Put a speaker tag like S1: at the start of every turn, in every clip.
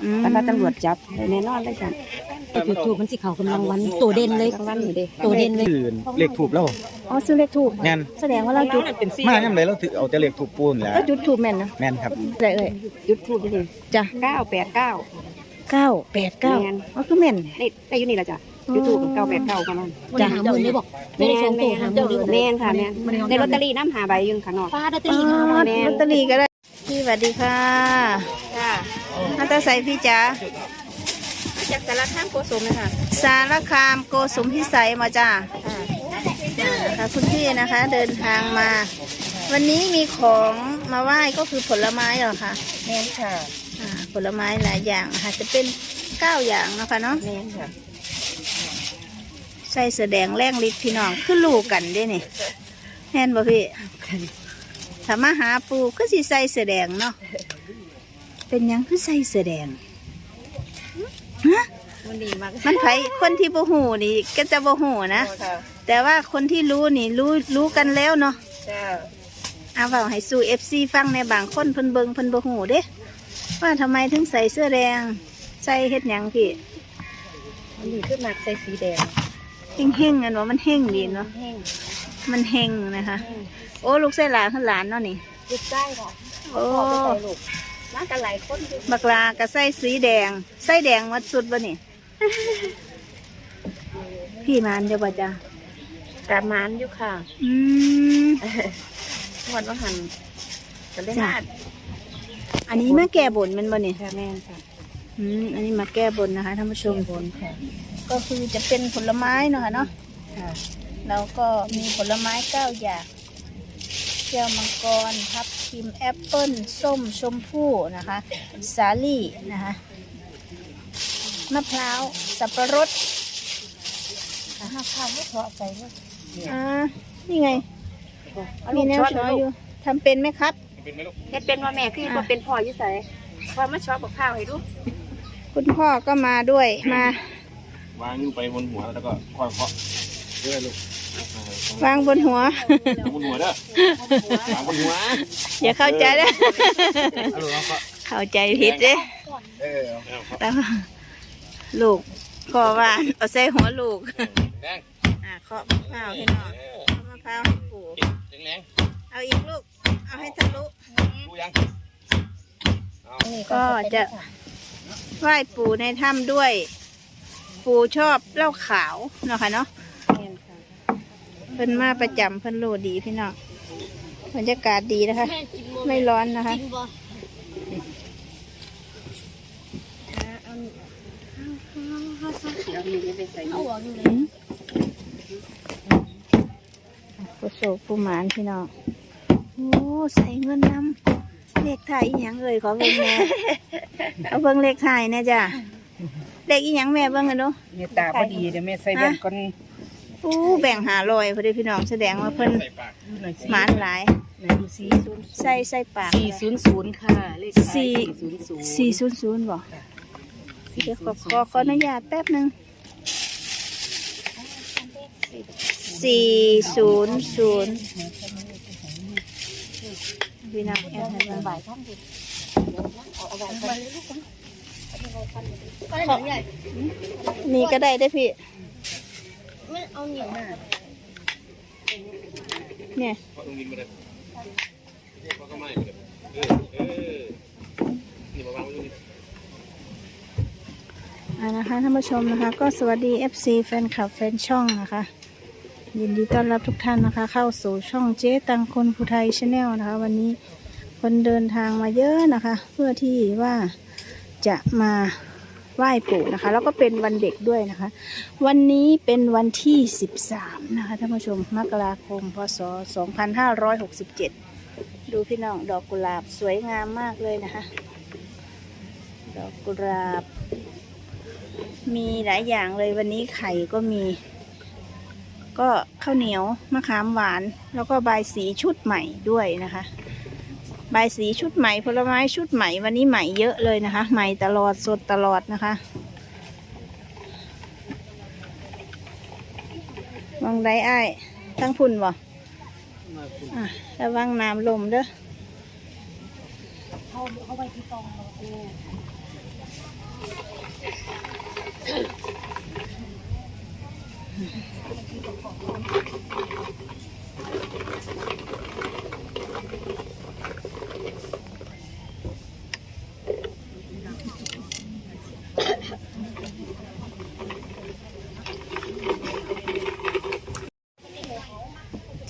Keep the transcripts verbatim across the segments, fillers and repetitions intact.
S1: แต่ว่าตำรวจจับแน่นอนเลยจ้ะจุดถูกมันสิเขากำลังวันตัวเด่นเลยกำลังนี่เด้ตัวเด่นเลย
S2: เลขถูกแล้ว
S1: อ๋อซื้อเลขถูก
S2: แม่น
S1: แสดงว่าเราจุด
S2: มาย่ำเลยเราถือเอาแต่เลขถูกปูนแหละ
S1: ก็จุดถูกแม่นนะ
S2: แม่นครับ
S1: ได้เอ้ยจุดถูกจริงจ้ะเก้าแปดเก้าเก้าแปดเก้าอ๋อคือแม่นได้ได้อยู่นี่ละจ้ะจุดถูกเก้าแปดเก้าประมาณ
S3: จะหาหมื่นได้บอก
S1: แม่นแม่นค่ะแม่นในลอตเตอรี่น้ำหาใบยืนข้างนอก
S3: ป้าลอตเตอรี่ค่ะ
S1: ลอตเตอรี่ก็ได้พี่สวัสดีค่ะจ้าอัตใส่พี่จ๋าจากสารคามโกสุมเลยค่ะสารคามโกสุมพิสัยมาจ้าค่ะคุณพี่นะคะเดินทางมาวันนี้มีของมาไหว้ก็คือผลไม้เหรอคะ
S3: แม่นค่ะ
S1: ผลไม้หลายอย่างค่ะจะเป็นเก้าอย่างนะคะเนาะ
S3: แม่นค่ะ
S1: ใส่เสื้อแดงแรงฤทธิ์พี่น้องคือลูกกันได้นี่แน่นบ่พี่ถ้ามาหาปูก็สิใส่เสื้อแดงเนาะเป็นยังคือใส่เสื้อแดงฮะมันดีมากมันไผคนที่บ่หูนี่ก็จะบ่หูนะแต่ว่าคนที่รู้นี่รู้รู้กันแล้วเนาะเอาเปล่าให้สู้เอฟซีฟังในบางคนเพิ่นเบิงเพิ่นบ่หูเด้ว่าทำไมถึงใส่เสื้อแดงใส่เฮ็ดหยังพี่
S3: มันดีขึ้นมากใส่สีแดง
S1: เฮ่งเฮ่งกันว่ามันเฮ่งดีเนาะมันเฮ่งนะคะโอ้ลูกใส่หลานขึ้นหลานเนาะนี่
S3: ลูกใส่ค่ะ
S1: โอ้
S3: มากันหลายคน
S1: บักลากับใส่สีแดงใส่แดงมัดสุดบ่นี่พี่มานเดี๋ยวบ่จ้าก
S3: าบมานอยู่ค่ะ
S1: อืม
S3: วันว่าหันจะได้มา
S1: อันนี้มาแก้บนมันบ่นี่
S3: ค่ะแม่ค่ะ
S1: อืมอันนี้มาแก้บนนะคะท่านผู้ชมบนค่ะก็คือจะเป็นผลไม้เนาะค่ะเนาะแล้วก็มีผลไม้เก้าอย่างแก้วมังกรทับทิมแอปเปิ้ลส้มชมพู่นะคะสาลี่นะคะมะพร้าวสับปะรด
S3: มะพร้าวไม่เพาะใจเลย
S1: อ่านี่ไงมีแนวช้อยอยู่ทำเป็นไหมครับ
S3: เฮ็ดเป็นว่าแม่คือว่าเป็นพ่ออยู่ใส่ว่ามาชอบกับข้าวให้ดู
S1: คุณพ่อก็มาด้วยม
S2: าวางอยู่ไปบนหัวแล้วก็ค่อยเคาะเรื่อยลูก
S1: วางบนหัว
S2: บนหัวเด้อวางบนหัว
S1: อย่าเข้าใจเด้อเข้าใจผิดเด้แล้วลูกขอว่าเอาใส่หัวลูกอ่าเคาะมะพร้าวให้หน่อยมะพร้าวให้ปู่เอาอีกลูกเอาให้ทะลุก็จะไหว้ปู่ในถ้ำด้วยปู่ชอบเหล้าขาวเนาะค่ะเนาะเพิ่นมาประจำเพิ่นโลดีพี่น้องบรรยากาศดีนะคะไม่ร้อนนะคะผู้โศกผู้หมานพี่น้องโอ้ใส่เงินน้ำเลขไทยอีหยังเอ่ยขอเบิ่งแม่เอาเบิ่งเลขไทยเนี่ยจ้ะเลขอีหยังแม่เบิ่งกันดู
S3: เมตตาพอดีเดี๋ยวแม่ใส่แบ่งก่อน
S1: อู้แบ่งหาลอยพอดีพี่น้องแสดงว่าเพิ่นหมานหลายใส่ใส่ปาก
S3: สี่ศูนย์ศูนย์ค่ะเลข
S1: สี่สี่ศูนย์ศูนย์บอกเดี๋ยวขอขอขออนุญาตแป๊บนึงสี่ศูนย์ศูนย์พี่น้องแอบให้บ่ายท่านดินี่ก็ได้ได้พี่
S3: เอาเหนียวหน่า
S1: เนี่ยอ่านะคะท่านผู้ชมนะคะก็สวัสดี เอฟ ซี แฟนคลับแฟนช่องนะคะยินดีต้อนรับทุกท่านนะคะเข้าสู่ช่องเจ๊ตังคนภูไทยชาแนลนะคะวันนี้คนเดินทางมาเยอะนะคะเพื่อที่ว่าจะมาไหว้ปู่นะคะแล้วก็เป็นวันเด็กด้วยนะคะวันนี้เป็นวันที่สิบสามนะคะท่านผู้ชมมกราคมพศสองพันห้าร้อยหกสิบเจ็ดดูพี่น้องดอกกุหลาบสวยงามมากเลยนะคะดอกกุหลาบมีหลายอย่างเลยวันนี้ไข่ก็มีก็ข้าวเหนียวมะขามหวานแล้วก็ใบสีชุดใหม่ด้วยนะคะใบสีชุดใหม่ผลไม้ชุดใหม่วันนี้ใหม่เยอะเลยนะคะใหม่ตลอดสดตลอดนะคะวางได้อ้ายตั้งพุ่นบ่อ่ะระวังน้ำลมเด้อ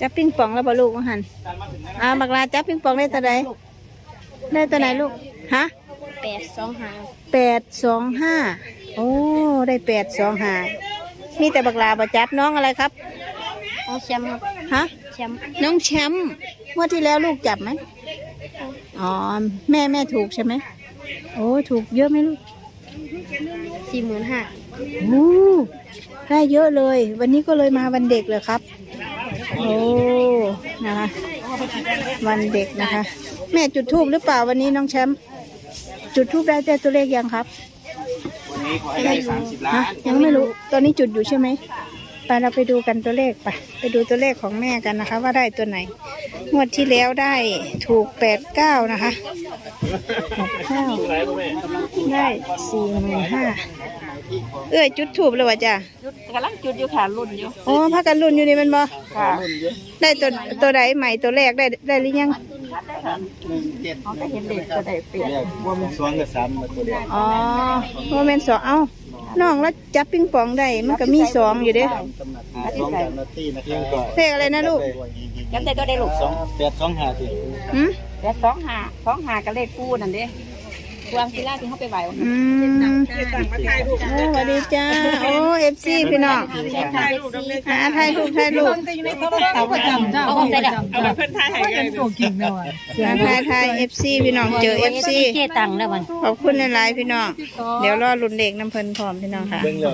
S1: จับปิงปองแล้วบ่ลูกว่าหันอ่าบักลาจับปิงปองได้ตัวใดได้ตัวไหนลูกฮะ
S3: แปดสองห้า
S1: แปดสองห้าโอ้ได้แปดสองห้านี่แต่บักลาบ่จับน้องอะไรครับ
S3: เอาแชมป์ครับ
S1: ฮะ
S3: แชมป์
S1: น้องแชมป์เมื่อที่แล้วลูกจับไหมอ๋อแม่แม่ถูกใช่ไหมโอ้ถูกเยอะไหมลูก
S3: สี่หมื่นห้า
S1: โอ้ได้เยอะเลย วันนี้ก็เลยมาวันเด็กเลยครับโอ้นะคะวันเด็กนะคะ แม่จุดทูบหรือเปล่าวันนี้น้องแชมป์จุดทูบได้แต่ตัวเลขยังครับ
S2: วันนี้ขอให้ได้สามสิบล้า
S1: ฮะ
S2: น
S1: ยังไม่รู้ตอนนี้จุดอยู่ใช่ไหมไปเราไปดูกันตัวเลขไปไปดูตัวเลขของแม่กันนะคะ ว่าได้ตัวไหนงวดที่แล้วได้ถูกแปดเก้านะคะแปดเก้าได้สี่หมื่นห้าเอ้ยจุดถูกเลยวะจ้ะ
S3: จุดกำลังจุดอยู่ค่ะรุ่นอยู่
S1: อ๋อพักกันรุ่นอยู่นี่มันบ่
S3: ค่ะ
S1: ได้ตัวตัวใดใหม่ตัวแรกได้ได้หรือยัง
S3: เขาก็เห็นเด็กก็ได้เปลี่ยน
S2: ว่ามันสองกับสามมาตัวเดียว
S1: อ๋อโมเมนต์สองเอ้าน้องแล้วจับปิงปองได้มันก็มีสองอยู่เด้
S2: สองสามนาทีนะครับ
S1: เลขอะไรนะลูก
S3: จำได้ก็ได้ลูก
S2: สองแปดสองห้าสิ
S1: หืม
S3: แปดสองห้าสองห้าก็เลขคู่นั่นเด้วางที่แรกที่เขาไปไหว
S1: อืมโอ้สวัสดีจ้าโอ้เอฟซีพี่น้องหาไทยลูกไทยลูก
S3: เอาไปจำเอาไปจำ
S4: เอาไปเพิ่นทายให้กันตัวกินแล้วอ่ะ
S1: หาไทยไทยเอฟซีพี่น้องเจอเอฟซี
S3: เจตังแล้วมัน
S1: ขอบคุณหลายๆพี่น้องเดี๋ยวรอรุ่นเด็กน้ำเพลินพร้อมพี่น้องค่ะ
S2: เบิ่งเลย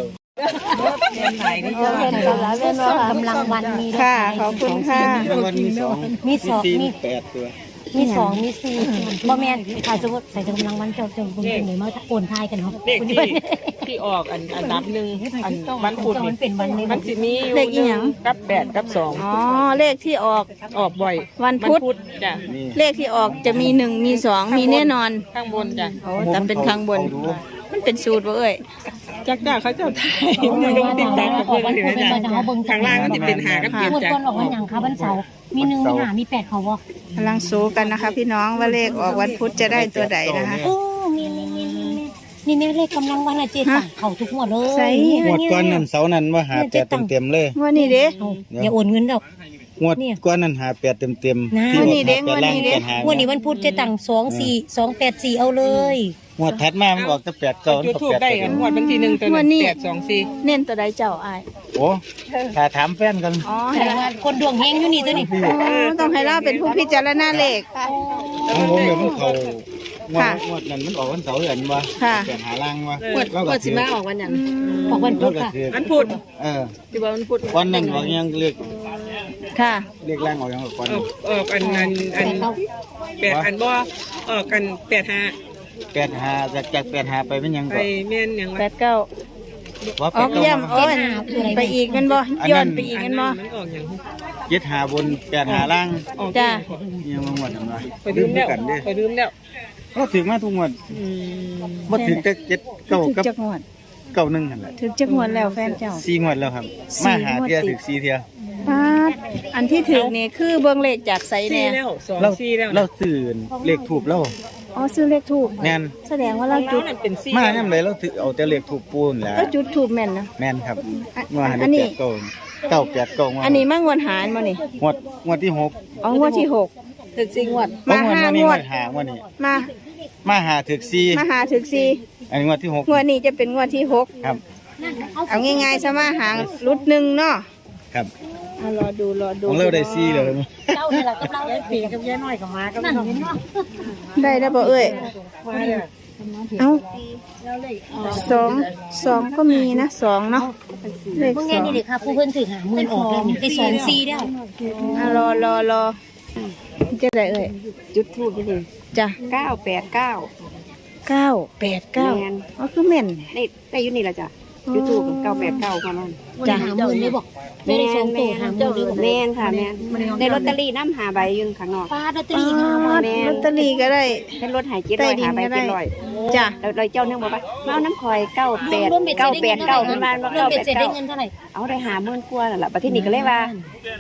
S3: กำลังวันมี
S1: ค่ะขอบคุณค่ะ
S2: รางวัลมีสอง
S3: มีสอง
S2: สี่
S3: มี
S2: แปดตัว
S3: มีสองมีสี่บ่แม่นขายสมมติใส่กำลังวันเจ้าเจ้าคุณเป็นไหนมาโอนทายกันเนาะ
S4: เลขที่ที่ออกอันอันดับหนึ่งอันวันพุธ
S3: มันเป็นวันนี้
S4: มันสิมีอยู่
S1: เลขอีหยัง
S4: กับแปดกับสอง
S1: อ๋อเลขที่ออก
S4: ออกบ่อย
S1: วันพุธ
S4: จ้ะ
S2: นี่
S1: เลขที่ออกจะมีหนึ่งมีสองมีแน่นอน
S4: ข้างบนจ้ะ
S1: โอ้แต่เป็นข้างบน มันเป็นสูตรบ่เอ้ย
S4: จักจ้าเขาเจ้าไทยมันต้องติดตามกับเพื่อนเลยนะจ้ะข้างล่างก็จะเป็นหากับเจ็ด
S3: งวด
S4: จ้ะ
S3: ก่อนออกวันหยังคะวันเสาร์มีหนึ่งมีหามีแปดเขาบ่
S1: กำลังสู้กันนะคะ พี่น้องว่าเลขออกวันพุธจะได้ตัวใดนะคะ
S3: โอ้มีมีมีมีนี่แม่เลขกำลังวันอะเจ็ดตังเขาทุกงวดเลย
S1: ใส่
S2: งวดก้อนนั้นเสานั้นว่าหาแปดเต็มๆเลย
S1: ว่านี่เด้
S3: อย่าโอนเงินดอก
S2: งวดก้อนนั้นหาแปดเต็ม
S3: นะ
S2: ๆที่
S1: งวดนี้เด้
S2: หาแปดล่าง
S1: งวดนี้เด้
S2: แปดหาง
S3: วดนี้วันพุธเจ็ดตังสองสี่สองแปดสี่เอาเลย
S2: งวดถัดมามันออกแต่แปดเก้า
S4: จุดทูบได้กันงวดวันที่หนึ่งตัวหนึ่งแปดสองสี่
S1: เน้นตัวใดเจ้าอาย
S2: โอ้ถ้าถามแฟนกัน
S1: อ๋อ
S3: แสดงว่าคนดวงเฮงอยู่นี่ตัวนี้
S1: โอ้ต้องให้เราเป็นผู้พิจารณาเลข
S2: ของผมเนี่ยมันเขางว
S1: ค่ะ
S2: ดงวดนั้นมันออกวันเสาร์เห็นว่า
S1: ค่ะ
S2: แปดหาล่างว่า
S4: งวดงวดสิมาออกวันหยัง
S3: ออกวันพุธค่ะ
S4: วันพุธ
S2: เออ
S4: ที่ว่าวันพุธ
S2: วันนั้นออกยังเรียก
S1: ค่ะ
S2: เรียกล่างออกยังก่อน
S4: ออกออกอันอันอันแปดอันบ่ออกกันแปดห้า
S2: แปดหาจากจากแปดหาไปเป็นยัง
S4: ไป
S2: ก่อน
S4: แม่นหยัง
S1: แป
S4: วะ
S1: ดเก้า
S2: ว่า
S1: อ
S2: แป
S1: อ
S2: ด
S1: ก
S2: เก้า
S1: เยี่ยมโอ้ยไปอีกกันบ่ย้อนไปอีก
S4: อั
S1: กัน น
S4: นั้
S1: บ่
S4: นมันออกหยัง
S2: เจ็ดหาบนแปดหาล่าง
S4: ออก
S1: จ้า
S2: ยังมางวดทำไม
S4: ไปลืมแล้ว
S2: กันเด้
S4: ไปลืมแล้ว
S2: ก็ถึงมาทุกงวด
S4: อืม
S2: มาถึงจะเจ็ดเก้า
S1: ถึก
S2: กับ
S1: จักงวด
S2: เก้าหนึ่งหันแหละ
S1: ถึกจักงวดแล้วแฟนเจ้า
S2: สี่งวดแล้วครับ
S1: สี่
S2: มาหาง
S1: วด
S2: เทีย
S1: ติด
S2: ถึงสี่เทีย
S1: ปาดอันที่ถึกนี่คือเบิ่งเลขจากไส
S4: สี่
S1: แน่
S4: แล้วสอง
S2: เรา
S4: สี่แล้ว
S2: เราตื่นเลขถูกแล้ว
S1: อ๋อซื้อเลขถูก
S2: แม่น
S1: แสดงว่าเราจุด
S4: นั่นเป็นสี่
S2: มาเนี่ยเลยเราถือเอาแต่เลขถูกปูนแหละ
S1: ก็จุดถูกแม่นนะ
S2: แม่นครับ
S1: อัน
S2: งวดหัน
S1: อัน
S2: ได้
S1: นี้
S2: แปดเก้าเก้าแปดเก้างวด
S1: อันนี้มางวดหารบ่นี่
S2: งวดงวดที่หก
S1: อ๋องวดที่หก
S3: ถึงสี่งวด
S1: มา
S2: เพระ
S1: ห้าง
S2: นี้
S1: งวด
S2: หางวดนี้
S1: มา
S2: มาหาถึกสี่
S1: มาหาถึกสี่
S2: อันนี้งวดที่หก
S1: งวดนี้จะเป็นงวดที่หก
S2: ครับ
S1: เอาง่ายๆซะมาหางรุดหนึ่งเนาะ
S2: ครับ
S1: เอารอดูรอดู
S2: ของเราได้สี่เลย
S3: เจ้าเนี่ยเรากับเราได้ปีกับยายน้อยกับมากับนั่นเห็นเนาะ
S1: ได้แล้วบ่เอ้ยเอาสองสองก็มีนะสองเนาะเลข
S3: พวก
S1: ส
S3: นี้
S1: อง
S3: นี่เด็กค่ะผู้เพิ่นถือหาหมื่นออกเลยนี่ได้สองสี่แล้ว
S1: อ่ะรอรอรอจะได้เอ้ย
S3: จุดทูบนี่
S1: จ้ะ
S3: เก้าแปดเก้า
S1: เก้าแปดเก้า
S3: แม่น
S1: อ๋อคือแม่น
S3: ได้ได้อยู่นี่ละจ้ะจุดทูบเก้าแปดเก้าประมาณ
S1: จ้ะ
S3: หาหมื่นเลยบอกไม่ได้สองตัวหาหมื่นเลยบอก
S5: แม่นค่ะแม่นได้ลอตเตอรี่น้ำหาใบอยืนข้างนอก
S3: ป้าลอตเตอรี่งาม
S1: อ๋อ
S3: มาก
S1: ลอตเตอรี่ก็ได้
S5: เป็นรถหายเจ็ด
S1: ใต้
S5: ร้อย
S1: ดิน
S5: หาใบ
S1: ก็ได้
S5: เจ็ดร้อย
S1: จ้ะ
S5: เราเราเจ้าเนี่ยบอกว่ามาเอาน้ำคอยเก้าแปด
S3: รวมเบ็ดเสร็
S5: เก้า
S3: จได้
S5: แป
S3: เงิ
S5: ด
S3: นเท่าไห
S5: เก้า
S3: ร่
S5: ประมาณว่าร
S3: วม
S5: เก้า
S3: เบ็
S5: แป
S3: ด
S5: ด
S3: เสร็จได้
S5: เก้า
S3: เงินเท่าไหร่
S5: เอาได้หาหมื่นกว่านั่นแหละประเทศนี้ก็เลยว่าโอ้ย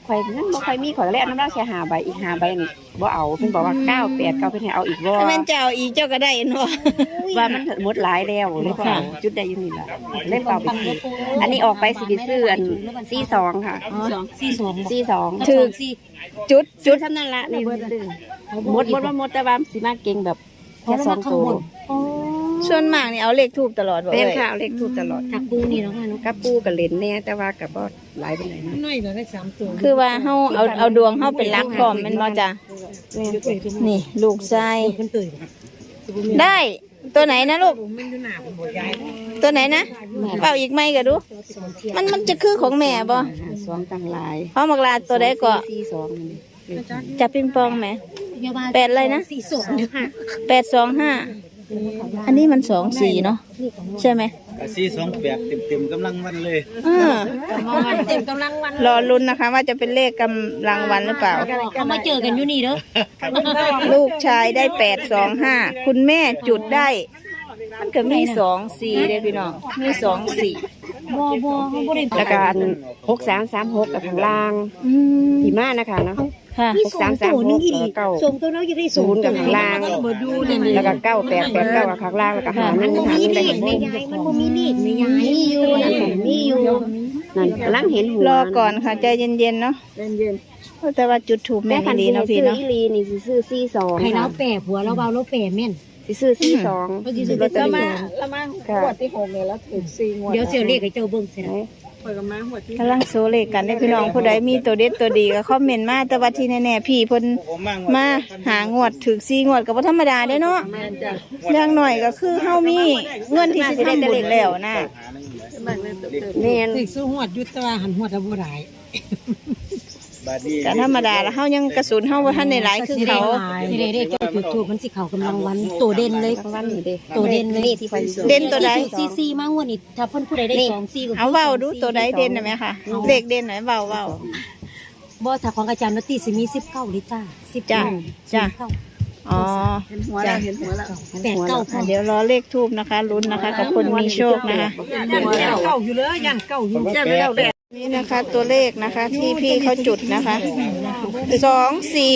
S5: ข่อยนั่นบ่ค่อยมีข่อยก็เลยเอาน้ำเหล้าแค่ห้าใบอีกห้าใบนี่บ่เอาเพิ่นบอกว่าเก้าแปดเก้าเพิ่นให้เอาอีกบ่
S1: ถ้าแม่นเจ้าอีกเจ้าก็ได้เนาะ
S5: ว่ามันหมดหลายแล้วเลยบ่เอาจุดใดอยู่นี่ล่ะเล่นเปล่าไปซื้ออันนี้ออกไปสิไปซื้ออันสี่สองค่ะ
S3: สี่สอง
S5: สี่สอง
S3: ถือสี่
S5: จุดจุดเท่านั้นละนี่ซื้อหมดหมดว่าหมดแต่ว่าสิมาเก่งแบบแค่สองตัว
S1: ส่วนมากนี่เอาเลขทูบตลอดบ่
S5: เป็น
S1: เอ้ย
S5: ค่ะเอาเลขถูกตลอด
S3: จากปูนี่เนาะค่ะเนาะ
S5: กับปูกับเหรนแน่แต่ว่ากับบ่หลายปานใดนะ
S4: น้อยก็ได้สามตัว
S1: คือว่าเฮาเอาเอาดวงเฮาเป็นหลักพร้อมแม่นบ่จ้ะนี่ลูกชาย
S3: มันตื่น
S1: ได้ตัวไหนนะลูก
S4: มันอยู่หน้าผมบ่ย้าย
S1: ตัวไหนนะเป่าอีกไหมก็ดู มันมันจะคือของแม่บ่
S5: สองตั้งหลาย
S1: เพราะมักลาตัวใดก็
S5: สี่สองนี่
S1: จับปิงปองไหม แปดอะไรนะ
S3: สี่สองค่ะ
S1: แปดสองห้าอันนี้มันสองสี่เนาะใช่ไหม
S6: สี่สองแปดเต็มๆกำลังวันเลย
S1: เออ
S3: เต็มกำลังวัน
S1: รอลุ้นนะคะ ว่าจะเป็นเลขกำลังวันหรือเปล่า
S3: เขามาเจอกันอยู่นี่เด้อ
S1: ลูกชายได้แปดสองห้าคุณแม่จุดได้ มันก็มีสองสี่เด้อพี่น้องมีสองสี่
S3: บ่บ่เขาบ่ได้
S5: แล้วก็อันหกสามสามหกกับข้างล่าง
S1: อืม
S5: หิมะนะคะเนาะ
S1: ค่ะ
S3: มีสองตัวนึงอีก
S5: เก้า
S3: ส่งตัวเราอยู่ได้
S5: ศูนย์กับข้างล่าง
S3: บ่ดูนี่
S5: แล้วก็เก้าแปดแปดเก้ากับข้างล่างแล้วก็หา
S3: มั
S5: นั่
S3: น
S5: น
S3: บ่
S5: หา
S3: มี
S5: นี่
S3: เล
S5: ได้
S3: ขในยายมันบ่มีเลขในยายมีอยู่มีอยู่
S5: นั่นกำลังเห็นหัว
S1: รอก่อนค่ะใจเย็นๆเนาะ
S5: เย็น
S1: แต่ว่าจุดถูก
S5: ๆ
S1: แม่
S5: แม่คัน
S1: ดี
S5: ซื้อ
S1: เนาะพี่
S5: ซื้อ
S1: เนาะ
S5: อีลีนี่สิซื้อสี่สอง
S3: ให้เรา
S5: ค่ะ
S3: แปะผัวเราเบาเราแปะแม่น
S5: สิซื้อสี่สอง
S3: เขาสิซื้อลอตเตอรี่
S5: ค่ะ
S3: เดี๋ยวเสียเลขให้เจ้าเบิ่งสินะ
S1: กำลังโซเลขกันได้อพี่น้องผู้ใดมีตัวเด็ดตัวดีก็คอมเมนต์มาแต่ว่าที่แน่ๆพี่เพิ่นมาหางวดถึกสี่งวดก็บ่ธรรมดาเด้อเนาะอย่างหน่อยก็คือเฮามีเงินที่สิได้แต่เล็กแล้วนะ
S5: แม่น
S4: ติดสู้หวดยุตว่าหันหวดบ่ได้
S6: บาดนี้
S1: ก็ธรรมดาแล้วเฮายังกระสุนเฮาบ่ทันได้หลายคือเขา
S3: สิได้เลขเจ้าถูกถูกมันสิเข้ากำลังวันตัวเด่นเลย
S5: ข้างล่างนี่เด้
S3: ตัวเด่นเลย
S5: ที่ไปซื้อ
S1: เด่นตัวใด
S3: ซีซีมางวดนี่ถ้าเพิ่นผู้ใดได้สองซีก็
S1: เอาเว้าดูตัวใดเด่นน่ะแม่ค่ะเลขเด่นหน่อยเว้าเว้า
S3: บ่ถ้าของอาจารย์นตตีสิมีสิบเก้าลิตรสิบ
S1: จ้ะจ้ะ
S3: เก้า
S1: อ๋อจ้ะ
S3: แปดเก้าพ
S1: อ่ะ
S3: อ
S1: เดี๋ยวรอเลขทูบนะคะลุ้นนะคะกับคนมีโชคนะคะ
S4: ยันเก่าอยู่เลยยันเก่าอยู่ยันเก่าเลย
S1: นี่นะคะตัวเลขนะคะที่พี่เขาจุดนะคะสองสี่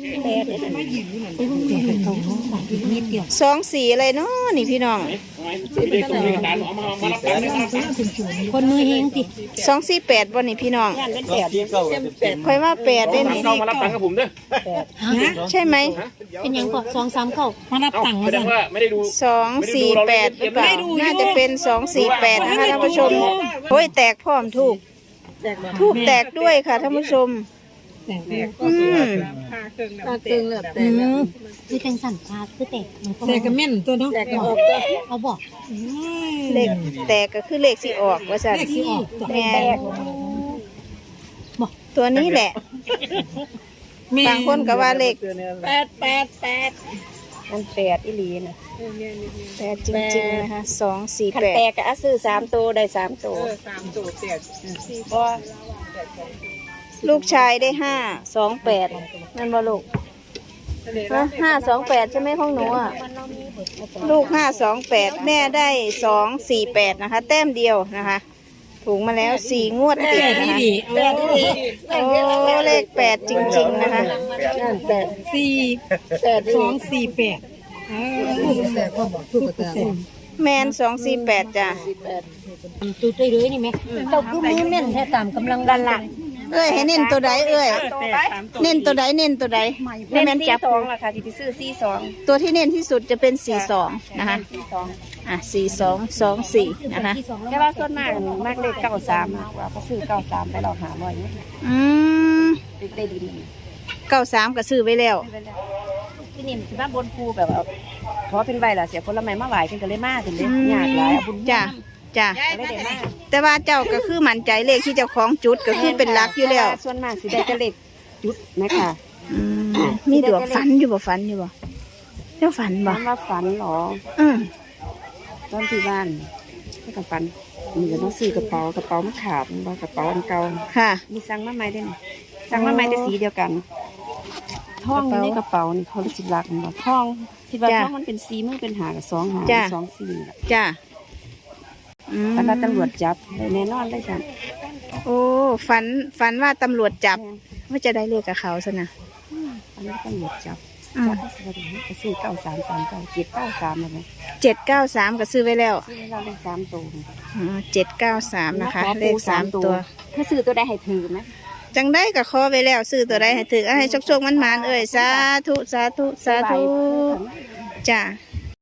S3: นิดเดียว
S1: สองสี่อะไรเนาะนี่พี่น้อง
S2: ไม่ได้ส่งเอกสารเอามามารับตังค์นะครับ
S3: คนมือเฮงติ
S1: สองสี่แปดวันนี้พี่น้อง
S6: ที่เก้าเต็ม
S1: คอยว่าแปดได้นี่
S2: เข้ามารับตังค์กับผมเด้อ
S1: ใช่ไหม
S3: เป็นหยังก็สองสามเก้ามารับ
S2: เอ้า
S3: ตังค์
S2: แส
S3: มา
S2: ด
S3: สั่
S2: ง
S3: น
S2: ว่าไม่ได้ดู
S1: สองสี่แปดหรือเปล่าน่าจะเป็นสองสี่แปดนะคะท่านผู้ชมโอ้ยแตกพร้อมถูกถูกแตกด้วยค่ะท่านผู้ชมอืม
S4: ตาตึงเหลือบแต่
S3: อืมคือจังสั่นพาคือแตกมันก็
S4: แต่ก็แม่นตัวเนาะแต่ก็ออก
S3: เอาบอก
S1: เลขแตกก็คือเลขสิออกว่าสัน
S3: เลขสิออกตัว
S1: แม่ตัวนี้แหละบางคนก็ว่าเลข
S4: แปดแปดแปด
S5: มันแปดอีหลีน่ะ
S1: แปดจริงๆนะคะสองสี่
S5: คัน
S1: แป
S5: แต
S1: ด
S5: กก็เอาซื้อสามตัวได้สามตัว
S4: สามตัวแปด
S5: บ่
S1: ลูกชายได้ห้าสองแปดนั่นบ่ลูกห้าสองแปดใช่ไหมของหนูอ่ะลูกห้าสองแปดแม่ได้สองสี่แปดนะคะ แต้มเดียวนะคะ ถูกมาแล้วสี่งวดติดนะคะ
S4: แปดดี
S1: โอ้เลขแปดจริงๆนะคะ
S4: แปดสี่แปดสองสี่แปดแต่ก็บอกทุกแต่
S1: แมนสองสี่แปดจ้ะ
S3: จุดได้เลยนี่ไหมเจ้าคือมือแม่นแท้ตามกำลังดันหลัก
S1: เอ้ยให้เน้นตัวใดเอ้ยเน้นตัวใดเน้นตัวใดแม่
S5: เล่
S1: แม่
S5: น
S1: น
S5: สี่
S1: จับ
S5: สองล่ะค่ะที่ไปซื้อสี่สอง
S1: ตัวที่เน้นที่สุดจะเป็นสี่สองนะคะ
S5: สี่สอง
S1: อ่ะสี่สองสองสี่นะคะ
S3: ที่สอง
S5: แต่ว่าส่วนมากมากเลขเก้าสามมากกว่าเพราะซื้อเก้าสามไปเราหาบ่อยเนี่ย
S1: อืม
S5: ได้ดี
S1: เก้าสามก็ซื้อไว้แล้ว
S5: ที่นี่สิมาบนภูแบบว่าเพราะเป็นใบล่ะเสียผลไม้มาไหวเพิ่นก็เลยมาถึงได้ยากหลายเอาบุญ
S1: จ้ะจ้ะ
S5: ก็เลยได้มา
S1: แต่ว่าเจ้าก็คือมั่นใจเลขที่เจ้าของจุดก็คือเป็นหลักอยู่แล้ว
S5: ส่วนมากสิได้แต่เลขจุดนะคะ
S1: อืมมีดวงฝันอยู่บ่ฝันอยู่บ่เจ้าฝันบ่
S5: ถามว่าฝันเหรอ
S1: อืม
S5: ตอนที่บ้านให้กับฝันมีก็ต้องซื้อกระเป๋ากระเป๋ามันขาดมันบ่กระเป๋าอันเก่า
S1: ค่ะ
S5: มีสั่งมาใหม่ได้นี่สั่งมาใหม่แต่สีเดียวกันทองอยู่ในกระเป๋านี่เขาสิรักมันบ่ทองคิดว่าทองมันเป็นสีมันเป็นหากับสองหาสองสี
S1: จ้ะอืม
S5: แล้วตำรวจจับแน่นอนเลยจ้ะ
S1: โอ้ฝันฝันว่าตำรวจจับว่าจะได้เลขกับเขาซะนะ
S5: อันนี้ตำรวจจับ
S1: อืม
S5: จับสวัสดีก็ซื้อเก้าสามสามเก้าเจ็ดเก้าสามอะไร
S1: เจ็ดเก้าสามก็ซื้อไว้แล้ว
S5: ซื้อเราได้สามตัว
S1: อ๋อเจ็ดเก้าสามนะคะ เลขสามตัว
S5: ถ้าซื้อตัวได้ให้ถือไหม
S1: จังได้กับคอไว้แล้ว ซื้อตัวใดให้ถือเอาให้โชคๆมันๆเอ่ยสาธุสาธุสาธุจ้า